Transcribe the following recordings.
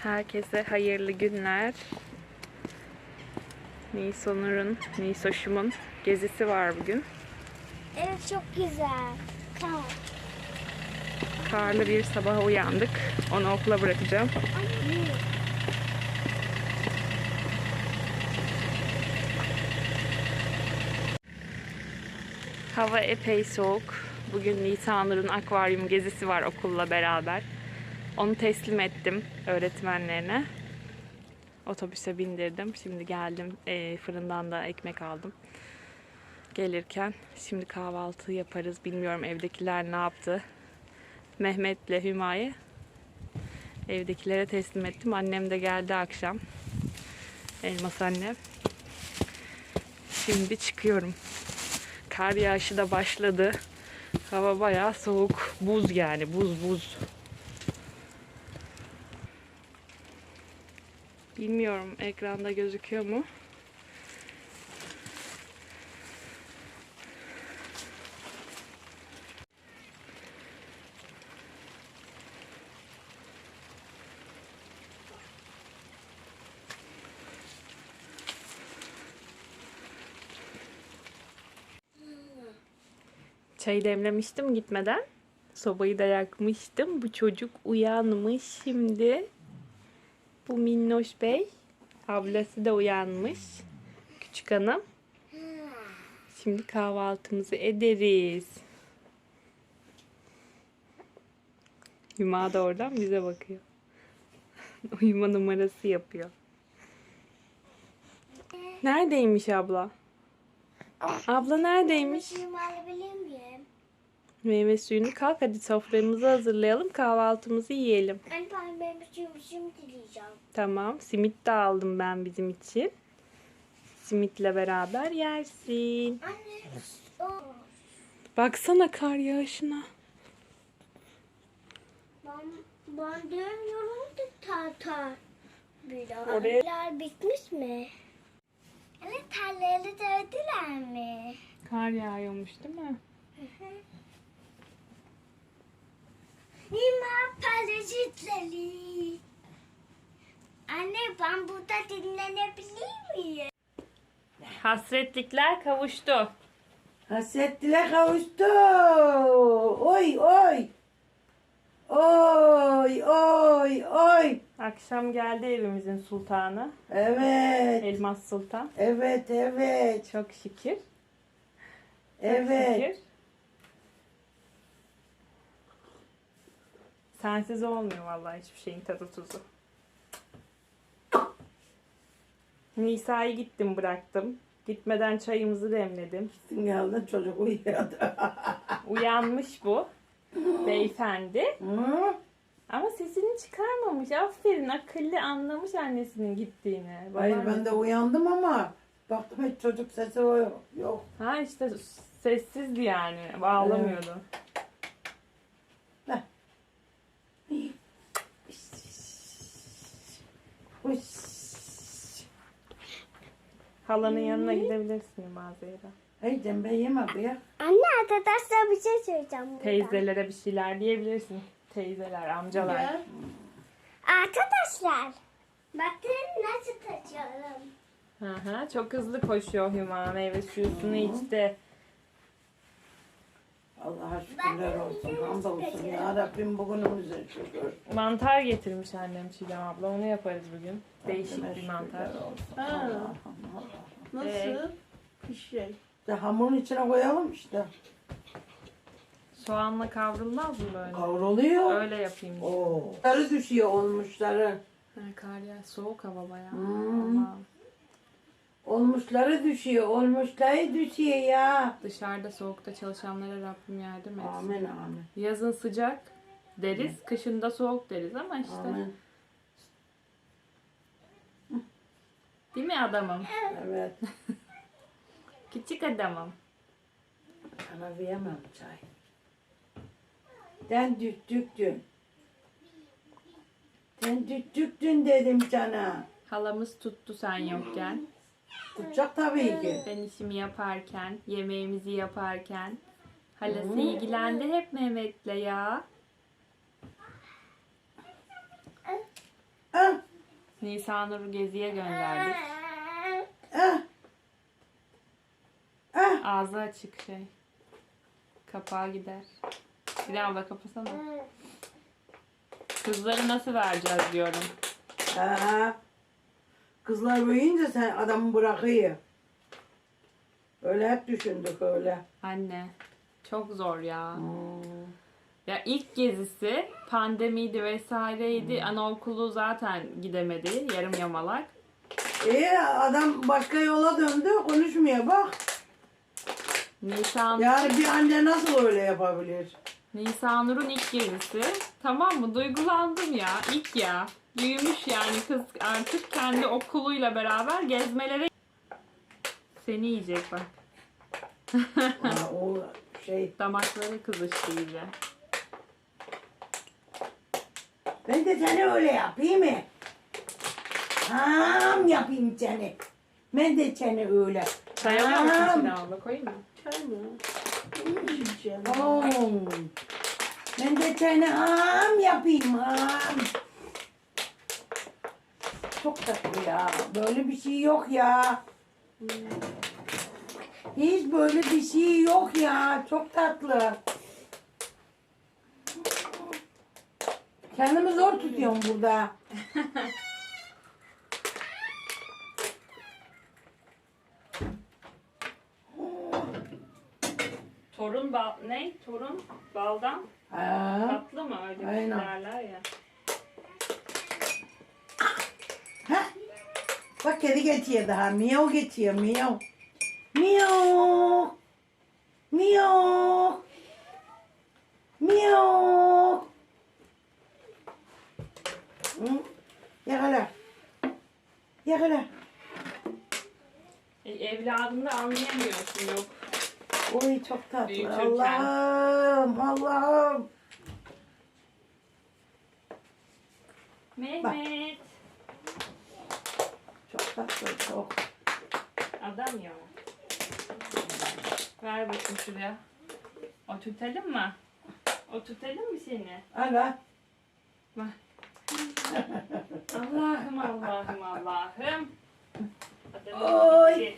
Herkese hayırlı günler. Nisoş'umun gezisi var bugün. Evet, çok güzel. Tamam. Karlı bir sabaha uyandık. Onu okula bırakacağım. Hava epey soğuk. Bugün Nisanur'un akvaryum gezisi var okulla beraber. Onu teslim ettim öğretmenlerine. Otobüse bindirdim. Şimdi geldim. Fırından da ekmek aldım. Gelirken şimdi kahvaltı yaparız. Bilmiyorum evdekiler ne yaptı. Mehmet'le Hüma'yı evdekilere teslim ettim. Annem de geldi akşam. Elmas annem. Şimdi çıkıyorum. Kar yağışı da başladı. Hava bayağı soğuk. Buz yani. Buz. Bilmiyorum ekranda gözüküyor mu? Çayı demlemiştim gitmeden. Sobayı da yakmıştım. Bu çocuk uyanmış şimdi. Bu Minnoş Bey. Ablası da uyanmış. Küçük hanım. Şimdi kahvaltımızı ederiz. Hüma da oradan bize bakıyor. Uyuma numarası yapıyor. Neredeymiş abla? Abla neredeymiş? Suyumu alabilir miyim? Meyve suyunu kalk hadi soframızı hazırlayalım. Kahvaltımızı yiyelim. Anne, ben meyve suyumu şimdi dileyeceğim. Tamam. Simit de aldım ben bizim için. Simitle beraber yersin. Anne, Baksana kar yağışına. ben dönüyorum da tartar. Oraya- Tarlalar bitmiş mi? Evet, tarlaları dövdüler mi? Kar yağıyormuş değil mi? Nima parazitleri. Anne, ben burada dinlenebilir miyim? Hasretlikler kavuştu. Hasretliler kavuştu. Oy oy. Oy oy oy. Akşam geldi evimizin sultanı. Evet. Elmas Sultan. Evet evet. Çok şükür. Çok Evet. şükür. Sensiz olmuyor vallahi hiçbir şeyin tadı tuzu. Nisa'yı gittim bıraktım. Gitmeden çayımızı demledim. Geldin çocuk uyuyordu. Uyanmış bu beyefendi. Hı? Ama sesini çıkarmamış. Aferin akıllı anlamış annesinin gittiğini. Hayır Babaanne- ben de uyandım ama baktım hiç çocuk sesi yok. Ha işte sessizdi yani. Ağlamıyordu. Uş. Halanın yanına gidebilirsin mağazaya. Hey ben yemem ya. Anne, arkadaşlar bir şey söyleyeceğim burada. Teyzelere bir şeyler diyebilirsin. Teyzeler, amcalar. Ya. Arkadaşlar, bakın nasıl taşıyorum. Hı hı, çok hızlı koşuyor Hüma. Meyve suyunu içti. Allah'a şükürler olsun. Hamdolsun ya Rabbim bugünümüze şükür. Mantar getirmiş annem Çiğdem abla. Onu yaparız bugün. Değişik Rabbime bir mantar. şükürler olsun. Ha. Allah'ım, Allah'ım. Nasıl? Bir şey. İşte hamurun içine koyalım işte. Soğanla kavrulmaz mı böyle? Kavruluyor. Öyle yapayım. Oo. Sarı düşüyor olmuşları. Ha, kar ya soğuk hava bayağı. Hmm. Ama Olmuşları düşüyor. Olmuşları düşüyor ya. dışarıda soğukta çalışanlara Rabbim yardım etsin. Amin amin. Yazın sıcak deriz, kışın da soğuk deriz ama işte. Amin. Değil mi adamım? Evet. Küçük adamım. Sana veremem çay. Sen düttüktün. Sen düttüktün dedim sana. Halamız tuttu sen yokken. Tutacak tabii ki. Ben işimi yaparken, yemeğimizi yaparken. Halası ilgilendi hep Mehmet'le ya. Ah, Nisanur'u geziye gönderdik. Eh. Ağzı açık şey. Kapağı gider. Bir daha abla kapasana. Kızları nasıl vereceğiz diyorum. Ha. Kızlar büyüyünce sen adamı bırakıyor. Öyle hep düşündük öyle. Anne. Çok zor ya. Hmm. Ya ilk gezisi pandemiydi vesaireydi. Anaokulu zaten gidemedi. Yarım yamalak. Adam başka yola döndü, konuşmuyor bak. Yani bir anne nasıl öyle yapabilir? Nisanur'un ilk gezisi. Tamam mı? Duygulandım ya. İlk ya. Büyümüş yani kız artık kendi okuluyla beraber gezmelere. Seni yiyecek bak. Ha, o şey. Damakları kızıştı iyice. Ben de seni öyle yapayım mı? Ham yapayım seni. Ben de seni öyle. Sayalıyor musun şimdi abla? Koyayım mı? Çay mı? İçeceğim. Ben de seni ham yapayım ham. Çok tatlı ya. Böyle bir şey yok ya. Hiç böyle bir şey yok ya. Çok tatlı. Kendimi zor tutuyorum burada. Torun bal... Ne? Torun baldan Ha. tatlı mı? Öyle bir şey Aynen. derler ya. Ha. Bak kedi geçiyor daha. Miyav geçiyor. Miyav. Miyav. Miyav. Miyav. Hı? Yakala. Yakala. Evladını anlayamıyorsun yok. Oy çok tatlı. Büyütürken. Allah'ım. Allah'ım. Mehmet. Çok tatlı. Çok. Adam ya. Ver bakayım şuraya. Oturtalım mı? Oturtalım mı seni? Aga. Bak. Allah'ım Allah'ım Allah'ım. Adamın Oy. içi.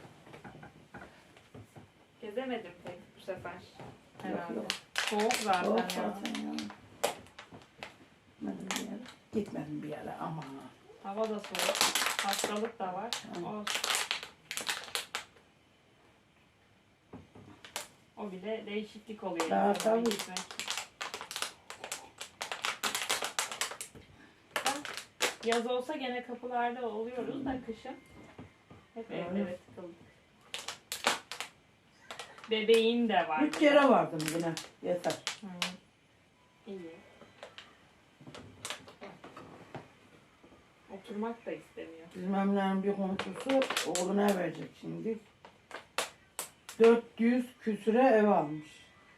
Gezemedim pek bu sefer. Herhalde. Yok. Soğuk zaten Çok ya. zaten ya. Gitmedim bir yere. Gitmedim bir yere ama. Hava da soğuk. Hastalık da var. Hı. Olsun. O bile değişiklik oluyor. Daha insana tabii. gitmek. Bak, yaz olsa gene kapılarda oluyoruz da kışın hep Evet. evlere tıkıldık. Bebeğin de var. 3 kere vardım yine. Yeter. Hı. İyi. Oturmak da istemiyor. Bizim Emre'nin bir komşusu oğluna verecek şimdi. 400 küsüre ev almış.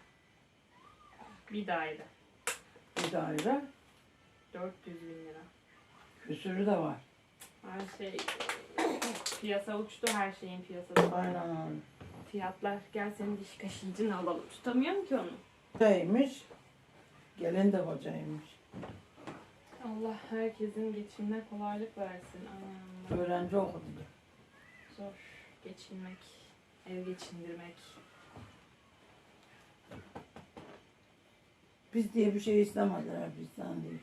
Bir daire. Bir daire. 400 bin lira. Küsürü de var. Her şey piyasa uçtu, her şeyin piyasası. Aynen öyle. Fiyatlar gel senin diş kaşıncını alalım. Tutamıyorum ki onu. Hocaymış. Gelin de hocaymış. Allah herkesin geçimine kolaylık versin. Aman Öğrenci okudu. zor geçinmek, ev geçindirmek. Biz diye bir şey istemediler bizden değil.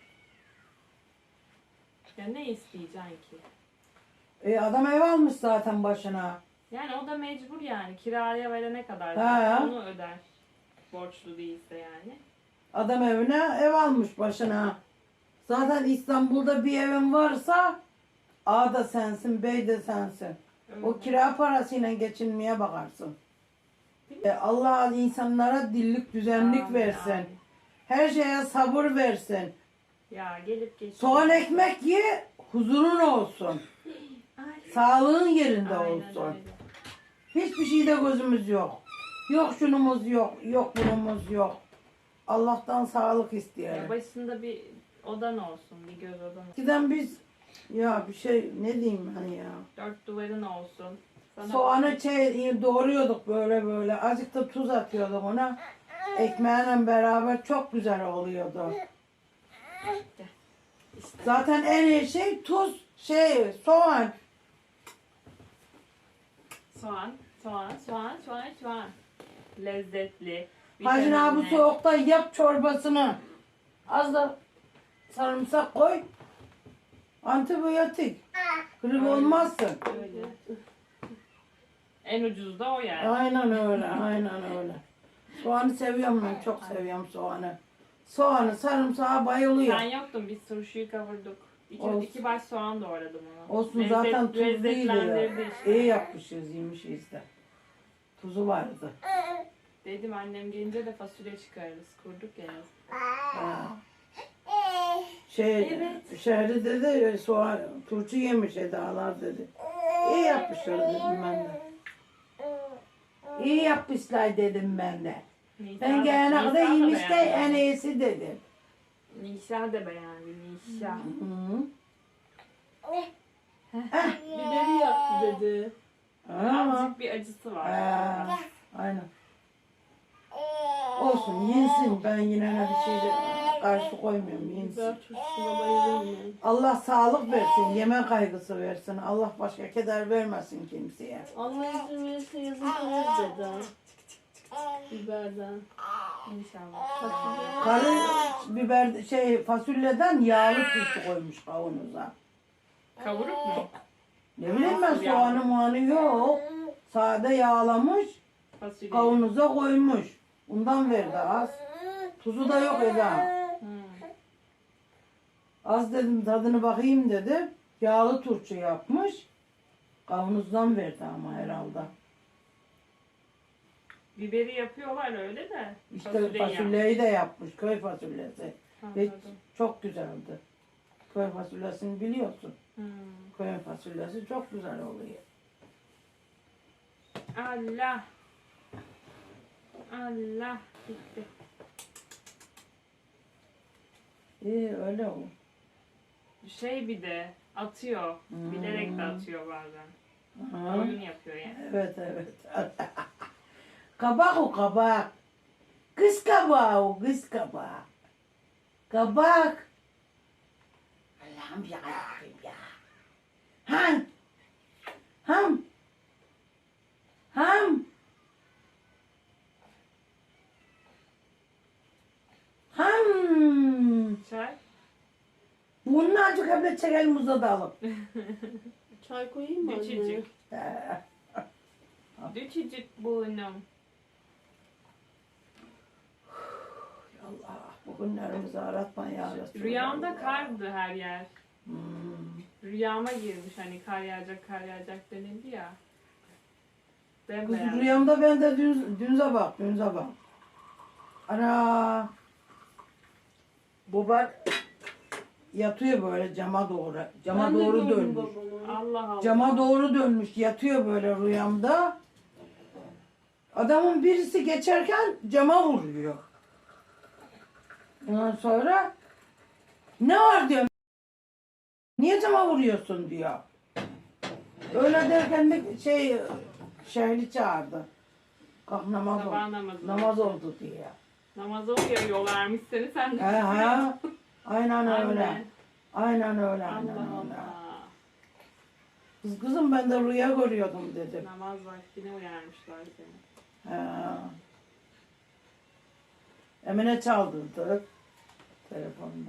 Ya ne isteyeceksin ki? Adam ev almış zaten başına. Yani o da mecbur yani. Kiraya verene kadar Ha. onu öder. Borçlu değilse yani. Adam evine ev almış başına. Zaten İstanbul'da bir evin varsa A da sensin, B de sensin. Öyle. O kira parasıyla geçinmeye bakarsın. Allah insanlara dillik düzenlik Amin, versin. amin. Her şeye sabır versin. Ya gelip geçiyor. Soğan ekmek ye, huzurun olsun. Ay. Sağlığın yerinde Aynen olsun. öyle. Hiçbir şeyde gözümüz yok. Yok şunumuz yok, yok bunumuz yok. Allah'tan sağlık Ya isteyelim. başında bir odan olsun, bir göz odan olsun. Eskiden biz ya bir şey ne diyeyim hani ya. Dört duvarın olsun. Sana Soğanı doğruyorduk böyle böyle. Azıcık da tuz atıyorduk ona. Ekmeğiyle beraber çok güzel oluyordu. Zaten en iyi şey tuz, Soğan. Soğan. Lezzetli. Hacı abi vitaminli. soğukta yap çorbasını. Az da sarımsak koy. Antibiyotik. Grip Öyle. olmazsın. Öyle. En ucuz da o yani. Aynen öyle, aynen öyle. Soğanı seviyorum ben, çok seviyorum soğanı. Soğanı, sarımsağa bayılıyor. Sen yoktun, biz turşuyu kavurduk. Olsun. İki baş soğan doğradım ona. Olsun zaten tuzluydu ya. Lezzetlendirdi işte. İyi yapmışız, yemişiz de. Tuzu vardı. Dedim annem gelince de fasulye çıkarırız. Kurduk ya. Ha. Evet. Şehri dedi, soğan, turşu yemiş Edalar dedi. İyi yapmışlar dedim ben de. İyi yapmışlar dedim ben de. Ben gelene kadar yemiş de en iyisi dedim. Nişa da beğendi. Nişa. Hı. Biberi yaptı dedi. Ama. Azıcık bir acısı var. Aynen. Olsun yensin. Ben yine ne bir şeyde karşı koymuyorum. Yensin. Biber turşusuna bayılırım ben. Allah sağlık versin. Yeme kaygısı versin. Allah başka keder vermesin kimseye. Allah izin verirse yazın koyarız dedi. Biberden. İnşallah. Karı biber fasulyeden yağlı turşu koymuş kavanoza. Kavuruk mu? Ne bileyim ben Nasıl soğanı yağlı? muanı yok. Sade yağlamış. Fasulye. Kavanoza koymuş. Bundan verdi az. Tuzu da yok Eda. Hmm. Az dedim tadını bakayım dedi. Yağlı turşu yapmış. Kavanozdan verdi ama herhalde. Biberi yapıyorlar öyle de. İşte fasulyeyi fasulyeyi de yapmış. Köy fasulyesi. yapmış. Ve Anladım. çok güzeldi. Köy fasulyesini biliyorsun. Hmm. Köy fasulyesi çok güzel oluyor. Allah. Allah. Gitti. İyi öyle o. Şey bir de atıyor. Hmm. Bilerek de atıyor bazen. Aha. Oyun yapıyor yani. Evet evet. Kabak o kabak. Kız kabağı o kız kabağı. Kabak. Allah'ım ya Rabbim ya. Ham. Ham. Ham. Ham. Çay. Bunun azıcık hep çekelim uzadalım. Çay koyayım mı anne? Küçücük. Küçücük burnum. Allah bu günlerimizi aratma ya Resulallah. Rüyamda kardı her yer. Hmm. Rüyama girmiş hani kar yağacak denildi ya. Kız Bembeyaz. rüyamda ben de dün sabah. Ana. Baba yatıyor böyle cama doğru. Cama Ben de doğru gördüm dönmüş. babamı. Allah Allah. Cama doğru dönmüş. Yatıyor böyle rüyamda. Adamın birisi geçerken cama vuruyor. Ondan sonra ne var diyor. Niye cama vuruyorsun diyor. Öyle derken de şehri çağırdı. Kalk namaz Sabah oldu. namazı. Namaz oldu diye. Namaza uyarıyorlarmış seni sen de. He he. Aynen öyle. Anne. Aynen öyle. Aynen Allah öyle. Allah. Kızım ben de rüya görüyordum dedim. Namaz vaktine uyarmışlar seni. He. Emine çaldırdı telefonla.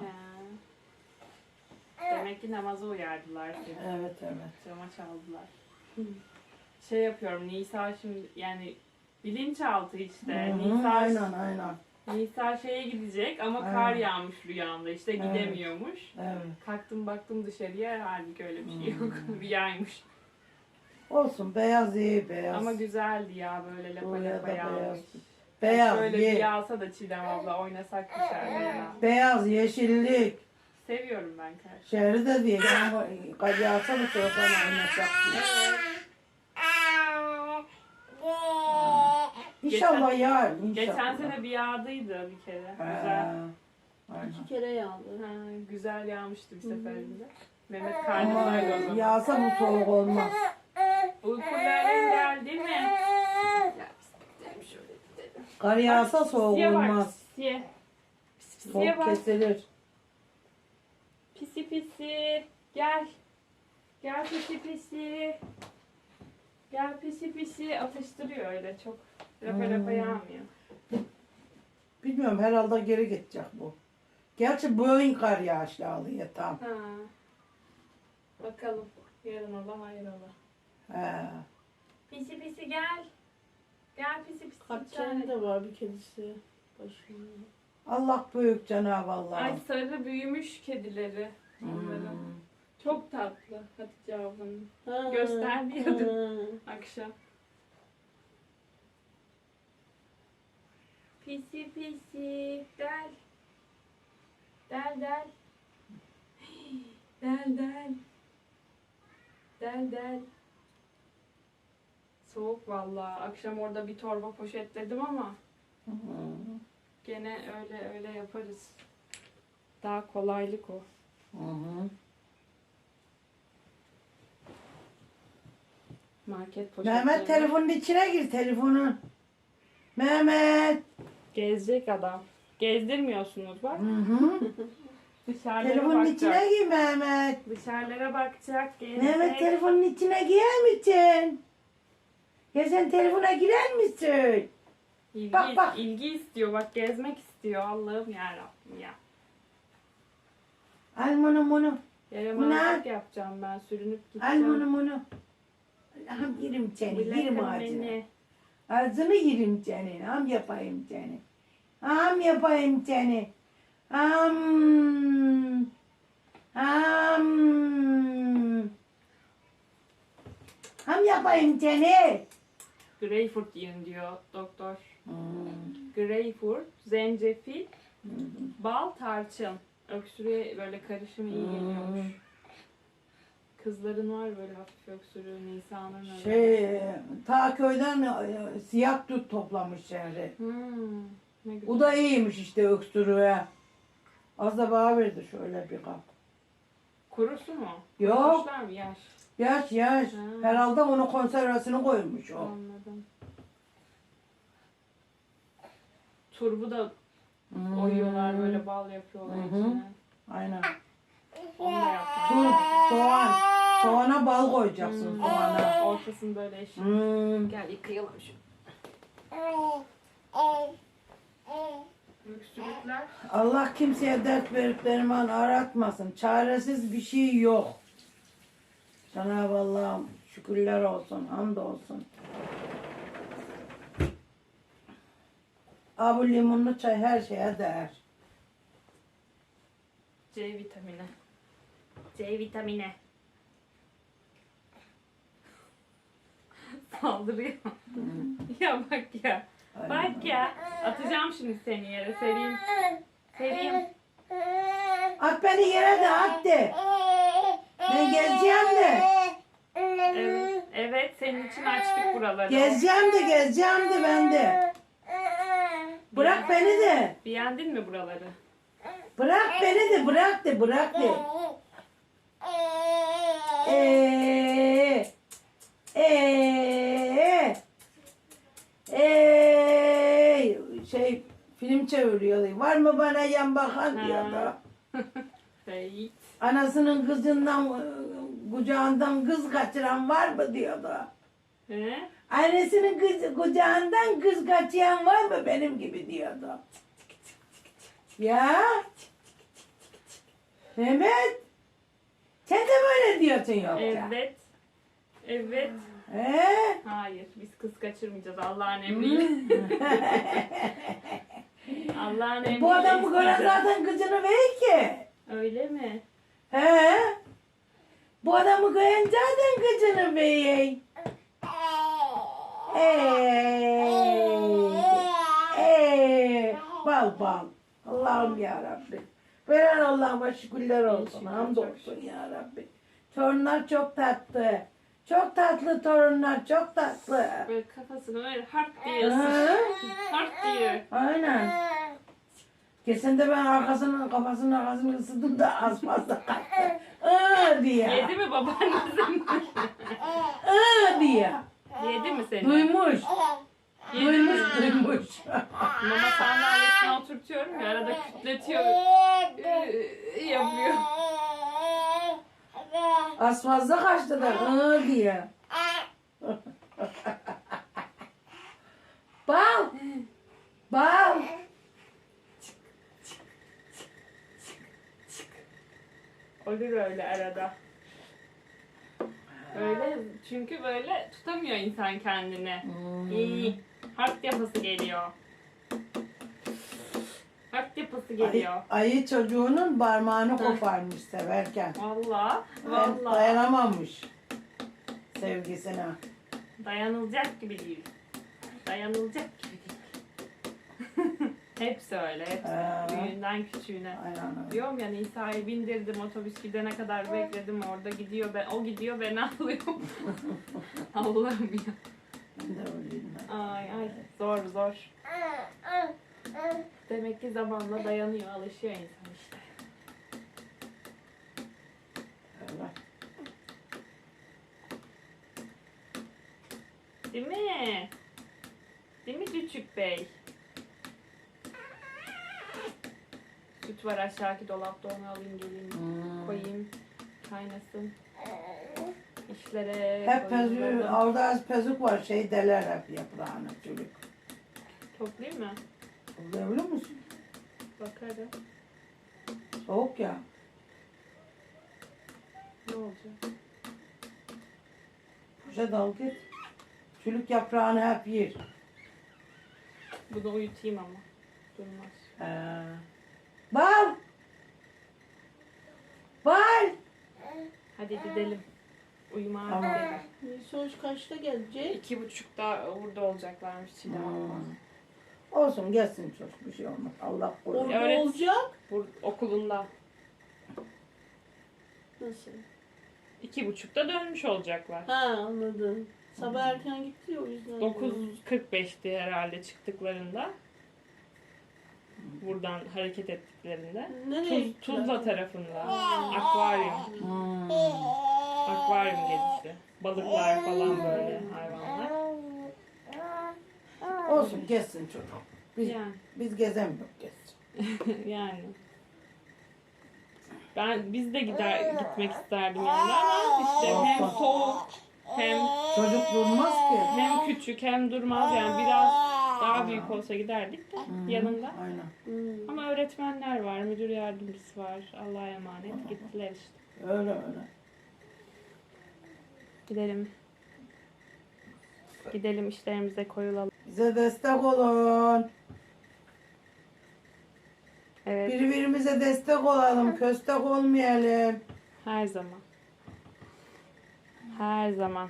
Demek ki namaza uyardılar seni. Evet evet. Cama çaldılar. Şey yapıyorum Nisa şimdi yani bilinçaltı işte. Hı, Nisa, aynen. Nisa şeye gidecek ama Aynen. kar yağmış rüyamda işte Evet. gidemiyormuş. Evet. Kalktım baktım dışarıya halbuki öyle bir şey yok. Rüyaymış. Olsun beyaz iyi beyaz. Ama güzeldi ya böyle lapa Buraya lapa da yağmış. beyaz. Beyaz Şöyle ye. bir yağsa da Çiğdem abla oynasak dışarıda ya. Beyaz yeşillik. Seviyorum ben kar. Şehri de diye. Ama yağsa da çocuklarla oynasak diye. İnşallah yağar. İnşallah. Geçen sene bir yağdıydı bir kere. He. Güzel. Aynen. 2 kere yağdı. Ha, güzel yağmıştı bir seferinde. Mehmet Ama karnındaydı o zaman. yağsa bu soğuk olmaz. Uykuların geldi mi? Ya biz gidelim şöyle gidelim. Kar yağsa soğuk Pisiye bak, olmaz. pisiye. Pisiye Soğuk bak. kesilir. Pisi pisi. Gel. Gel pisi pisi. Gel pisi pisi. Atıştırıyor öyle çok. Rapa rapa yağmıyor. Bilmiyorum herhalde geri gidecek bu. Gerçi bugün kar yağışlı alıyor tam. Ha. Bakalım. Yarın ola hayır ola. He. Pisi pisi gel. Gel pisi pisi. Kaç tane de var bir kedisi başında. Allah büyük Cenab-ı Allah. Ay sarı büyümüş kedileri. Onların. Çok tatlı Hatice ablanın. Ha, Göstermiyordum. ha. Akşam. Pisi pisi. Del. Del del. Del del. Del del. Soğuk vallahi. Akşam orada bir torba poşetledim ama gene öyle yaparız. Daha kolaylık o. Market poşetleri. Mehmet telefonun içine gir telefonun. Mehmet. Gezecek adam. Gezdirmiyorsunuz bak. Dışarılara Telefonun bakacak. içine gir Mehmet. Dışarılara bakacak. Gezecek. Mehmet telefonun içine girer misin? Ya sen telefona girer misin? İlgi, Bak, bak. ilgi istiyor. Bak gezmek istiyor. Allah'ım yarabbim ya. Al bunu. Yaramazlık yapacağım ben. Sürünüp Al gideceğim. bunu. Ham yerim seni. Yerim Bırakın ağzını. beni. Ağzını yerim senin. Ham yapayım seni. Ham yapayım seni. Ham. Ham. Ham yapayım seni. Greyfurt yiyin diyor doktor. Greyfurt, zencefil, bal, tarçın. Öksürüğe böyle karışımı iyi geliyormuş. Kızların var böyle hafif öksürüğü, Nisan'ın öyle. Ta köyden siyah dut toplamış şehri. Ne güzel. O da iyiymiş işte öksürüğe. Az da bana verdi şöyle bir kap. Kurusu mu? Yok. Kurumuşlar mı? Yaş. Yaş. Herhalde onun konservesini koymuş o. Anladım. Turbu da oyuyorlar böyle bal yapıyorlar içine. Aynen. Onu da yapmak. Turp, soğan. Soğana bal koyacaksın soğana. Ortasını böyle eşit. Gel yıkayalım şu. Öksürükler. Allah kimseye dert verip derman aratmasın. Çaresiz bir şey yok. Cenab-ı Allah'ım şükürler olsun, hamdolsun. Bu limonlu çay her şeye değer. C vitamini. C vitamini. Saldırıyor. Ya bak ya. Bak ya. Atacağım şimdi seni yere. Sereyim. Sereyim. At beni yere de at de. Ben gezeceğim de. Evet. Evet. Senin için açtık buraları. Gezeceğim de ben de. Bırak beni de. Beğendin mi buraları? Bırak beni de bırak de. Film çeviriyor. Var mı bana yan bakan diyordu. Seyit. Anasının kızından kucağından kız kaçıran var mı diyordu. He? Annesinin kucağından kız kaçıran var mı benim gibi diyordu. Ya. Mehmet. Sen de böyle diyorsun yoksa. Evet. Evet. He? Hayır. Biz kız kaçırmayacağız Allah'ın emriyle. Allah'ın emriyle. Bu adam bu kadar isteyeceğiz. zaten kızını verir ki. Öyle mi? He? Bu adamı koyan zaten kızını verir. Bal. Allah'ım ya Rabbi. Veren Allah'ıma şükürler olsun. İnşallah, Hamdolsun çok ya Rabbi. Torunlar çok tatlı. Çok tatlı torunlar, çok tatlı. Böyle kafasını öyle hart diye Hı? ısır. Hart diye. Aynen. Geçen de ben kafasının arkasını ısıdım da az fazla kalktı. Diye. Yedi mi babaannesi? Diye. Yedi mi seni? Duymuş. Yedi mi? Duymuş. Mama sandalyesine oturtuyorum ya arada kütletiyor. Yapıyor. Az fazla kaçtı da diye. Bal. Bal. Olur öyle arada. Öyle çünkü böyle tutamıyor insan kendini. İyi. Harp yapası geliyor. Harp yapası geliyor. Ayı çocuğunun parmağını koparmış severken. Vallahi. Ben Vallahi. dayanamamış sevgisine. Dayanılacak gibi değil. Dayanılacak gibi değil. Hepsi öyle. Hepsi. Büyüğünden küçüğüne. Aynen öyle. Diyorum ya Nisa'yı bindirdim, otobüs gidene kadar bekledim, orada gidiyor, o gidiyor, ben ağlıyorum. Allah'ım ya. Ben de öyleyim. Ay ay, zor zor. Demek ki zamanla dayanıyor, alışıyor insan işte. Öyle. Değil mi? Değil mi Küçük Bey? Süt var aşağıki dolapta, onu alayım geleyim. Koyayım, kaynasın. İşlere Hep koyayım, pezük, böyle. orada az pezük var, şey deler hep yaprağını çocuk. Toplayayım mı? Biliyor musun? Bakarım. Soğuk ya. Ne olacak? Kuşa dal git. Çürük yaprağını hep yer. Bunu uyutayım ama. Durmaz. Bal! Bal! Hadi gidelim. Uyumaya Tamam. gidelim. Sonuç kaçta gelecek? 2.30'da burada olacaklarmış Çiğdem abla. Olsun gelsin çocuk, bir şey olmaz. Allah korusun. Orada Evet. olacak. Okulunda. Nasıl? 2.30'da dönmüş olacaklar. Ha anladım. Sabah erken gitti ya o yüzden. 9.45'ti herhalde çıktıklarında. Buradan hareket ettiklerinde. Nereye Tuzla tarafında. Akvaryum. Akvaryum gezisi. Balıklar falan böyle hayvanlar. Olsun gelsin çocuk. Biz, Yani. biz gezemiyoruz gezsin. Yani. Biz de gitmek isterdim yani ama işte hem soğuk hem Çocuk durmaz ki. küçük hem durmaz yani biraz daha büyük olsa giderdik de yanında. Aynen. Ama öğretmenler var, müdür yardımcısı var. Allah'a emanet gittiler işte. Öyle öyle. Gidelim. Gidelim işlerimize koyulalım. Bize destek olun. Evet, Birbirimize destek olalım. Köstek olmayalım. her zaman. Her zaman.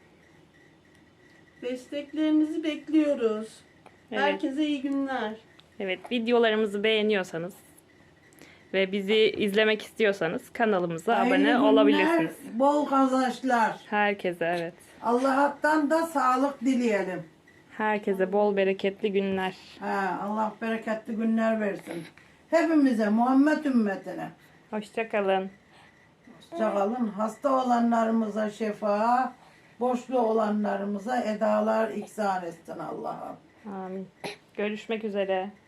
Desteklerinizi bekliyoruz. Evet. Herkese iyi günler. Evet, videolarımızı beğeniyorsanız ve bizi izlemek istiyorsanız kanalımıza Hayırlı abone günler, olabilirsiniz. bol kazançlar. Herkese evet. Allah'tan da sağlık dileyelim. Herkese bol bereketli günler. Allah bereketli günler versin. Hepimize, Muhammed ümmetine. Hoşça kalın. Hoşçakalın. Hasta olanlarımıza şifa, boşlu olanlarımıza edalar ihsan etsin Allah'ım. Amin. Görüşmek üzere.